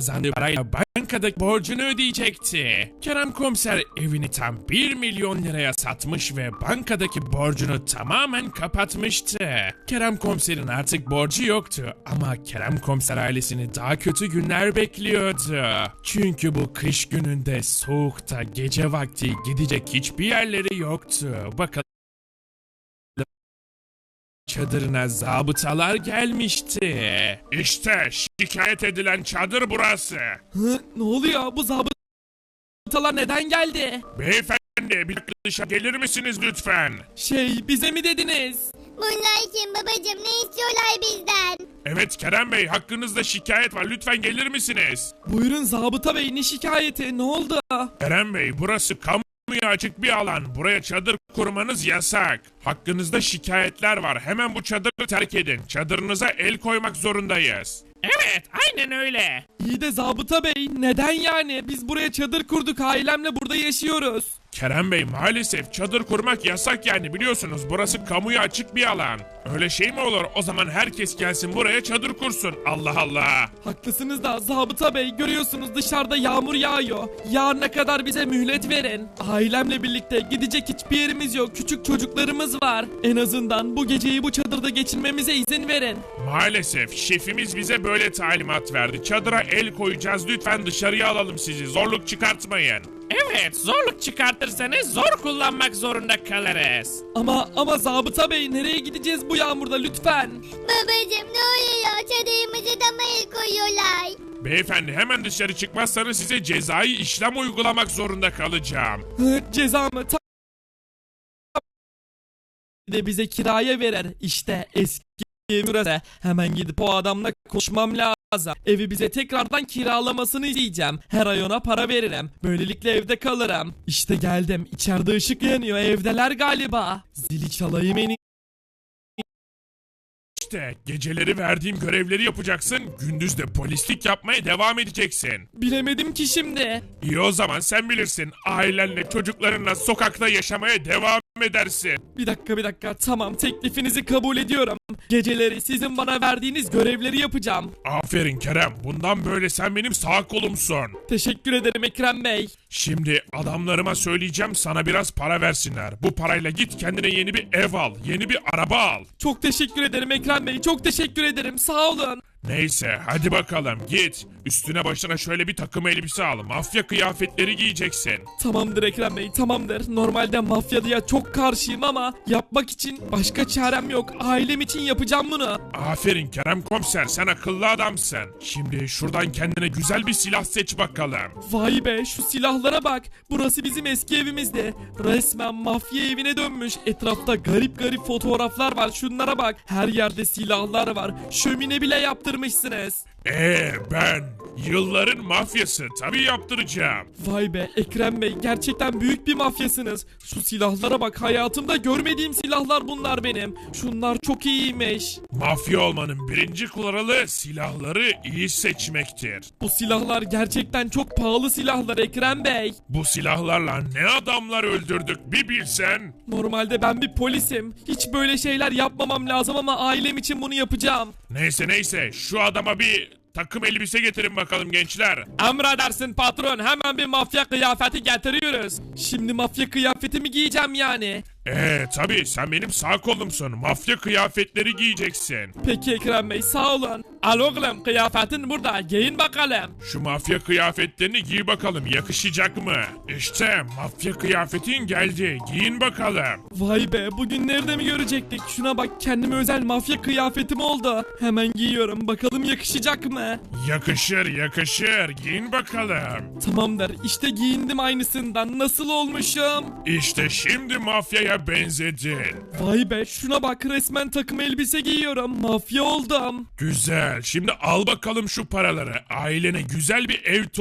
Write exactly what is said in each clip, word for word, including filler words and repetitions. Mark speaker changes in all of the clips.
Speaker 1: kazandığı parayla bankadaki borcunu ödeyecekti. Kerem Komiser evini tam bir milyon liraya satmış ve bankadaki borcunu tamamen kapatmıştı. Kerem Komiser'in artık borcu yoktu ama Kerem Komiser ailesini daha kötü günler bekliyordu. Çünkü bu kış gününde soğukta gece vakti gidecek hiçbir yerleri yoktu. Bakalım çadırına zabıtalar gelmişti. İşte şikayet edilen çadır burası.
Speaker 2: Hı, ne oluyor? Bu zabıtalar neden geldi?
Speaker 1: Beyefendi bir dakika dışarı gelir misiniz lütfen?
Speaker 2: Şey, bize mi dediniz?
Speaker 3: Bunlar kim babacım, ne istiyorlar bizden?
Speaker 1: Evet Kerem Bey, hakkınızda şikayet var, lütfen gelir misiniz?
Speaker 2: Buyurun zabıta bey, ne şikayeti? Ne oldu?
Speaker 1: Kerem Bey, burası kamuya açık bir alan. Buraya çadır kurmanız yasak. Hakkınızda şikayetler var. Hemen bu çadırı terk edin. Çadırınıza el koymak zorundayız. Evet, aynen öyle.
Speaker 2: İyi de zabıta bey, neden yani? Biz buraya çadır kurduk, ailemle burada yaşıyoruz.
Speaker 1: Kerem Bey, maalesef çadır kurmak yasak yani, biliyorsunuz burası kamuya açık bir alan. Öyle şey mi olur? O zaman herkes gelsin buraya çadır kursun. Allah Allah.
Speaker 2: Haklısınız da zabıta bey, görüyorsunuz dışarıda yağmur yağıyor. Yarına kadar bize mühlet verin. Ailemle birlikte gidecek hiçbir yerimiz yok. Küçük çocuklarımız var. En azından bu geceyi bu çadırda geçirmemize izin verin.
Speaker 1: Maalesef şefimiz bize böyle talimat verdi. Çadıra el koyacağız, lütfen dışarıya alalım sizi. Zorluk çıkartmayın. Evet, zorluk çıkartırsanız zor kullanmak zorunda kalırız.
Speaker 2: Ama ama zabıta bey, nereye gideceğiz bu yağmurda lütfen?
Speaker 3: Babacım ne oluyor, çadırımızı da mı el koyuyorlar?
Speaker 1: Beyefendi, hemen dışarı çıkmazsanız size cezai işlem uygulamak zorunda kalacağım.
Speaker 2: Hı, ceza mı? Ta- de bize kiraya verer. İşte eski evi burası. Hemen gidip o adamla konuşmam lazım. Evi bize tekrardan kiralamasını isteyeceğim. Her ay ona para veririm. Böylelikle evde kalırım. İşte geldim. İçeride ışık yanıyor. Evdeler galiba. Zili çalayım en
Speaker 1: İşte geceleri verdiğim görevleri yapacaksın, gündüz de polislik yapmaya devam edeceksin.
Speaker 2: Bilemedim ki şimdi.
Speaker 1: İyi, o zaman sen bilirsin. Ailenle, çocuklarınla sokakta yaşamaya devam edersin.
Speaker 2: Bir dakika bir dakika. Tamam, teklifinizi kabul ediyorum. Geceleri sizin bana verdiğiniz görevleri yapacağım.
Speaker 1: Aferin Kerem, bundan böyle sen benim sağ kolumsun.
Speaker 2: Teşekkür ederim Ekrem Bey.
Speaker 1: Şimdi adamlarıma söyleyeceğim, sana biraz para versinler. Bu parayla git kendine yeni bir ev al, yeni bir araba al.
Speaker 2: Çok teşekkür ederim Ekrem Bey. Çok teşekkür ederim. Sağ olun.
Speaker 1: Neyse hadi bakalım git. Üstüne başına şöyle bir takım elbise al. Mafya kıyafetleri giyeceksin.
Speaker 2: Tamamdır Ekrem Bey, tamamdır. Normalde mafyalıya çok karşıyım ama yapmak için başka çarem yok. Ailem için yapacağım bunu.
Speaker 1: Aferin Kerem Komiser, sen akıllı adamsın. Şimdi şuradan kendine güzel bir silah seç bakalım.
Speaker 2: Vay be, şu silahlara bak. Burası bizim eski evimizdi. Resmen mafya evine dönmüş. Etrafta garip garip fotoğraflar var. Şunlara bak. Her yerde silahlar var. Şömine bile yaptırmışsınız.
Speaker 1: Eee ben yılların mafyası, tabii yaptıracağım.
Speaker 2: Vay be Ekrem Bey, gerçekten büyük bir mafyasınız. Şu silahlara bak, hayatımda görmediğim silahlar bunlar benim. Şunlar çok iyiymiş.
Speaker 1: Mafya olmanın birinci kuralı silahları iyi seçmektir.
Speaker 2: Bu silahlar gerçekten çok pahalı silahlar Ekrem Bey.
Speaker 1: Bu silahlarla ne adamlar öldürdük bir bilsen.
Speaker 2: Normalde ben bir polisim. Hiç böyle şeyler yapmamam lazım ama ailem için bunu yapacağım.
Speaker 1: Neyse neyse, şu adama bir takım elbise getirin bakalım gençler.
Speaker 2: Emredersin patron, hemen bir mafya kıyafeti getiriyoruz. Şimdi mafya kıyafetimi giyeceğim yani.
Speaker 1: Eee tabii, sen benim sağ kolumsun. Mafya kıyafetleri giyeceksin.
Speaker 2: Peki Ekrem Bey, sağ olun. Al oğlum, kıyafetin burada, giyin bakalım.
Speaker 1: Şu mafya kıyafetlerini giy bakalım, yakışacak mı? İşte mafya kıyafetin geldi, giyin bakalım.
Speaker 2: Vay be, bugün nerede mi görecektik? Şuna bak, kendime özel mafya kıyafetim oldu. Hemen giyiyorum, bakalım yakışacak mı?
Speaker 1: Yakışır yakışır, giyin bakalım.
Speaker 2: Tamamdır, işte giyindim aynısından. Nasıl olmuşum?
Speaker 1: İşte şimdi mafyaya benzedin.
Speaker 2: Vay be, şuna bak, resmen takım elbise giyiyorum. Mafya oldum.
Speaker 1: Güzel, şimdi al bakalım şu paraları. Ailene güzel bir ev tut.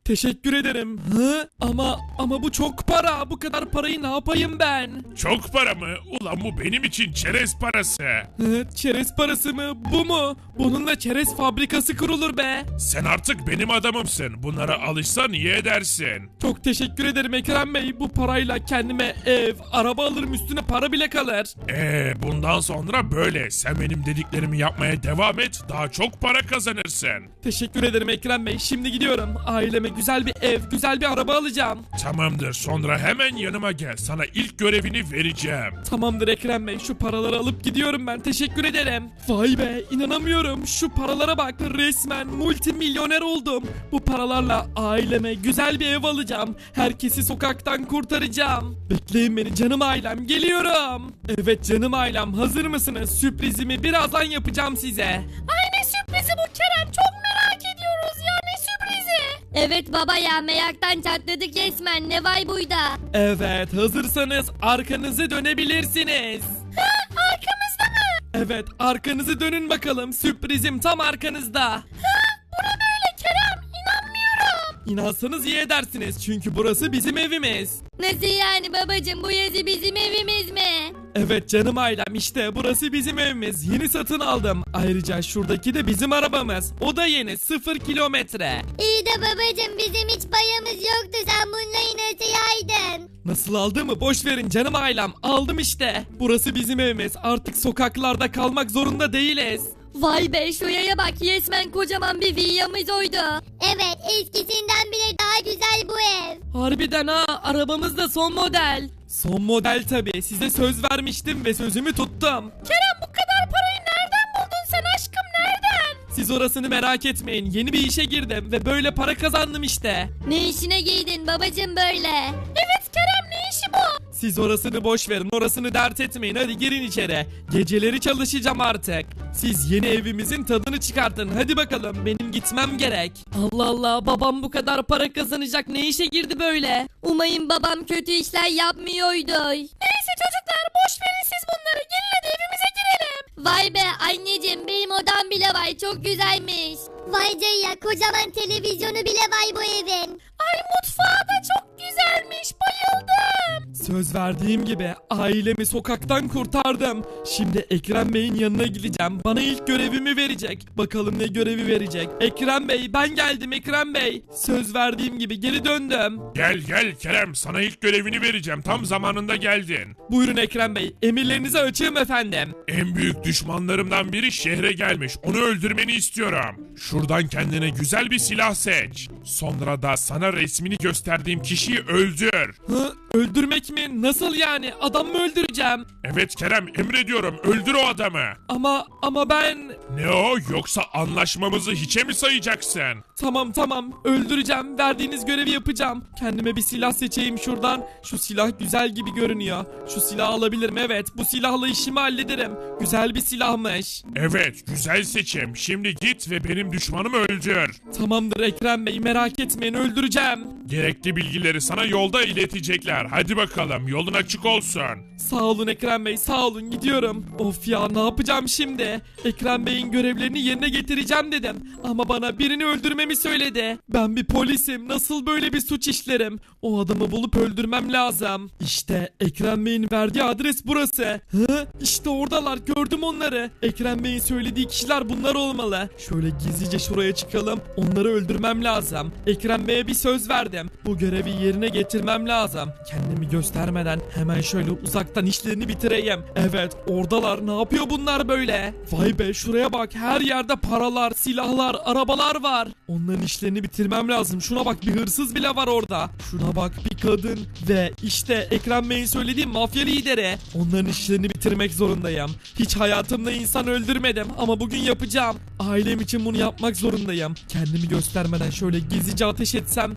Speaker 2: Teşekkür ederim. Hı? Ama ama bu çok para. Bu kadar parayı ne yapayım ben?
Speaker 1: Çok para mı? Ulan bu benim için çerez parası.
Speaker 2: Hı? Çerez parası mı? Bu mu? Bununla çerez fabrikası kurulur be.
Speaker 1: Sen artık benim adamımsın. Bunlara alışsan iyi edersin.
Speaker 2: Çok teşekkür ederim Ekrem Bey. Bu parayla kendime ev, araba alırım, üstüne para bile kalır.
Speaker 1: Ee, bundan sonra böyle. Sen benim dediklerimi yapmaya devam et. Daha çok para kazanırsın.
Speaker 2: Teşekkür ederim Ekrem Bey. Şimdi gidiyorum. Aileme güzel bir ev, güzel bir araba alacağım.
Speaker 1: Tamamdır. Sonra hemen yanıma gel. Sana ilk görevini vereceğim.
Speaker 2: Tamamdır Ekrem Bey. Şu paraları alıp gidiyorum ben. Teşekkür ederim. Vay be, inanamıyorum. Şu paralara bak. Resmen multimilyoner oldum. Bu paralarla aileme güzel bir ev alacağım. Herkesi sokaktan kurtaracağım. Bekleyin beni canım ailem. Geliyorum. Evet canım ailem. Hazır mısınız? Sürprizimi birazdan yapacağım size.
Speaker 3: Ay ne sürprizi bu Kerem, çok merak ediyoruz ya, ne sürprizi? Evet baba ya, meraktan çatladık resmen, ne vay buyda.
Speaker 2: Evet, hazırsanız arkanızı dönebilirsiniz.
Speaker 3: Ha, arkamızda mı?
Speaker 2: Evet, arkanızı dönün bakalım. Sürprizim tam arkanızda.
Speaker 3: Ha, bu ne böyle Kerem, inanmıyorum.
Speaker 2: İnansanız iyi edersiniz çünkü burası bizim evimiz.
Speaker 3: Nasıl yani babacım, bu yazı bizim evimiz mi?
Speaker 2: Evet canım ailem, işte burası bizim evimiz. Yeni satın aldım. Ayrıca şuradaki de bizim arabamız. O da yeni, sıfır kilometre.
Speaker 3: İyi de babacım, bizim hiç payımız yoktu, sen bunları nasıl yaydın?
Speaker 2: Nasıl aldığımı boş verin canım ailem. Aldım işte. Burası bizim evimiz. Artık sokaklarda kalmak zorunda değiliz.
Speaker 3: Vay be, şuraya bak, resmen kocaman bir villamız oydu. Evet, eskisinden bile daha güzel bu ev.
Speaker 2: Harbiden ha, arabamız da son model. Son model tabii. Size söz vermiştim ve sözümü tuttum.
Speaker 3: Kerem, bu kadar parayı nereden buldun sen aşkım, nereden?
Speaker 2: Siz orasını merak etmeyin. Yeni bir işe girdim ve böyle para kazandım işte.
Speaker 3: Ne işine giydin babacım böyle? Evet Kerem, ne işi bu?
Speaker 2: Siz orasını boş verin. Orasını dert etmeyin. Hadi girin içeri. Geceleri çalışacağım artık. Siz yeni evimizin tadını çıkartın. Hadi bakalım. Benim gitmem gerek. Allah Allah. Babam bu kadar para kazanacak. Ne işe girdi böyle?
Speaker 3: Umayım babam kötü işler yapmıyordu. Neyse çocuklar, boş verin siz bunları. Gelin hadi evimize girelim. Vay be anneciğim, benim odam bile var, çok güzelmiş. Vay ya, kocaman televizyonu bile var bu evin. Ay mutfağı da çok güzelmiş, bayıldım.
Speaker 2: Söz verdiğim gibi ailemi sokaktan kurtardım. Şimdi Ekrem Bey'in yanına gideceğim. Bana ilk görevimi verecek. Bakalım ne görevi verecek. Ekrem Bey, ben geldim Ekrem Bey. Söz verdiğim gibi geri döndüm.
Speaker 1: Gel gel Kerem, sana ilk görevini vereceğim. Tam zamanında geldin.
Speaker 2: Buyurun Ekrem Bey. Emirlerinize açığım efendim.
Speaker 1: En büyük düşmanlarımdan biri şehre gelmiş. Onu öldürmeni istiyorum. Şuradan kendine güzel bir silah seç. Sonra da sana resmini gösterdiğim kişiyi öldür.
Speaker 2: Hı? Öldürmek mi? Nasıl yani? Adam mı öldüreceğim?
Speaker 1: Evet Kerem, emrediyorum, öldür o adamı.
Speaker 2: Ama ama ben...
Speaker 1: Ne o, yoksa anlaşmamızı hiçe mi sayacaksın?
Speaker 2: Tamam tamam, öldüreceğim. Verdiğiniz görevi yapacağım. Kendime bir silah seçeyim şuradan. Şu silah güzel gibi görünüyor. Şu silahı alabilirim, evet. Bu silahla işimi hallederim. Güzel bir silahmış.
Speaker 1: Evet, güzel seçim. Şimdi git ve benim düşmanımı öldür.
Speaker 2: Tamamdır Ekrem Bey, merak etmeyin, öldüreceğim.
Speaker 1: Gerekli bilgileri sana yolda iletecekler. Hadi bakalım, yolun açık olsun.
Speaker 2: Sağ olun Ekrem Bey, sağ olun, gidiyorum. Of ya, ne yapacağım şimdi? Ekrem Bey'in görevlerini yerine getireceğim dedim. Ama bana birini öldürmemi söyledi. Ben bir polisim, nasıl böyle bir suç işlerim? O adamı bulup öldürmem lazım. İşte Ekrem Bey'in verdiği adres burası. Hı? İşte oradalar, gördüm onları. Ekrem Bey'in söylediği kişiler bunlar olmalı. Şöyle gizlice şuraya çıkalım. Onları öldürmem lazım. Ekrem Bey'e bir söz verdim. Bu görevi yerine getirmem lazım. Kendimi göstermeden hemen şöyle uzaktan işlerini bitireyim. Evet, oradalar. Ne yapıyor bunlar böyle? Vay be, şuraya bak. Her yerde paralar, silahlar, arabalar var. Onların işlerini bitirmem lazım. Şuna bak, bir hırsız bile var orada. Şuna bak, bir kadın ve işte Ekrem Bey'in söylediği mafya lideri. Onların işlerini bitirmek zorundayım. Hiç hayatımda insan öldürmedim ama bugün yapacağım. Ailem için bunu yapmak zorundayım. Kendimi göstermeden şöyle gizlice ateş etsem herhalde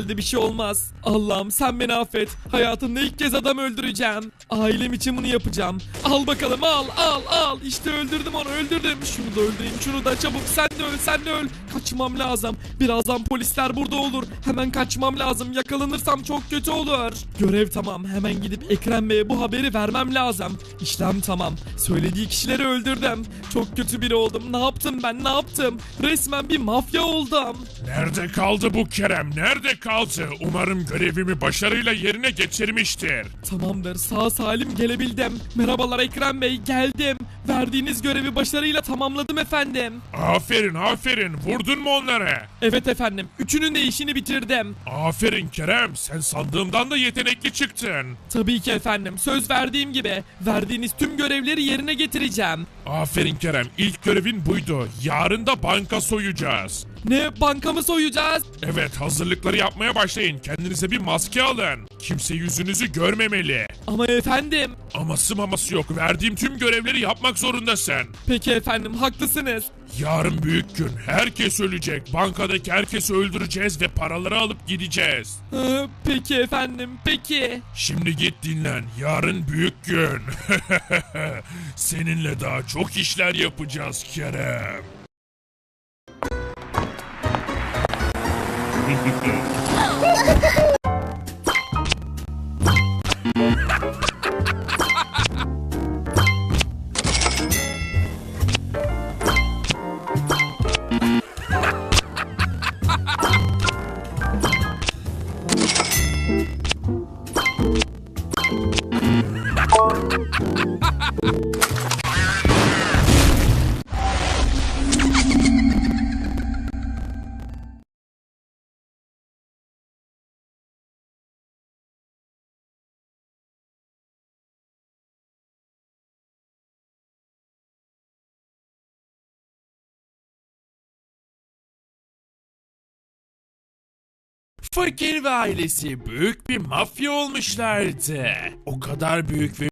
Speaker 2: herhalde bir şey olmaz. Allah'ım sen beni affet. Hayatımda ilk kez adam öldüreceğim. Ailem için bunu yapacağım. Al bakalım al al al. İşte öldürdüm onu öldürdüm. Şunu da öldüreyim şunu da çabuk sen de öl sen de öl. Kaçmam lazım. Birazdan polisler burada olur. Hemen kaçmam lazım. Yakalanırsam çok kötü olur. Görev tamam. Hemen gidip Ekrem Bey'e bu haberi vermem lazım. İşlem tamam. Söylediği kişileri öldürdüm. Çok kötü biri oldum. Ne yaptım ben ne yaptım? Resmen bir mafya oldum.
Speaker 1: Nerede kaldı bu Kerem? Nerede kaldı? Umarım görevimi başarıyla yerine getirmiştir.
Speaker 2: Tamamdır sağ salim gelebildim. Merhabalar Ekrem Bey geldim. Verdiğiniz görevi başarıyla tamamladım efendim.
Speaker 1: Aferin aferin. Vurdun mu onları?
Speaker 2: Evet efendim. Üçünün de işini bitirdim.
Speaker 1: Aferin Kerem. Sen sandığımdan da yetenekli çıktın.
Speaker 2: Tabii ki efendim. Söz verdiğim gibi. Verdiğiniz tüm görevleri yerine getireceğim.
Speaker 1: Aferin Kerem. İlk görevin buydu. Yarın da banka soyacağız.
Speaker 2: Ne bankamı soyacağız?
Speaker 1: Evet, hazırlıkları yapmaya başlayın. Kendinize bir maske alın. Kimse yüzünüzü görmemeli.
Speaker 2: Ama efendim.
Speaker 1: Aması maması yok. Verdiğim tüm görevleri yapmak zorundasın.
Speaker 2: Peki efendim haklısınız.
Speaker 1: Yarın büyük gün. Herkes ölecek. Bankadaki herkesi öldüreceğiz ve paraları alıp gideceğiz.
Speaker 2: Ee, peki efendim peki.
Speaker 1: Şimdi git dinlen. Yarın büyük gün. Seninle daha çok işler yapacağız Kerem. Fakir ve ailesi büyük bir mafya olmuşlardı. O kadar büyük ve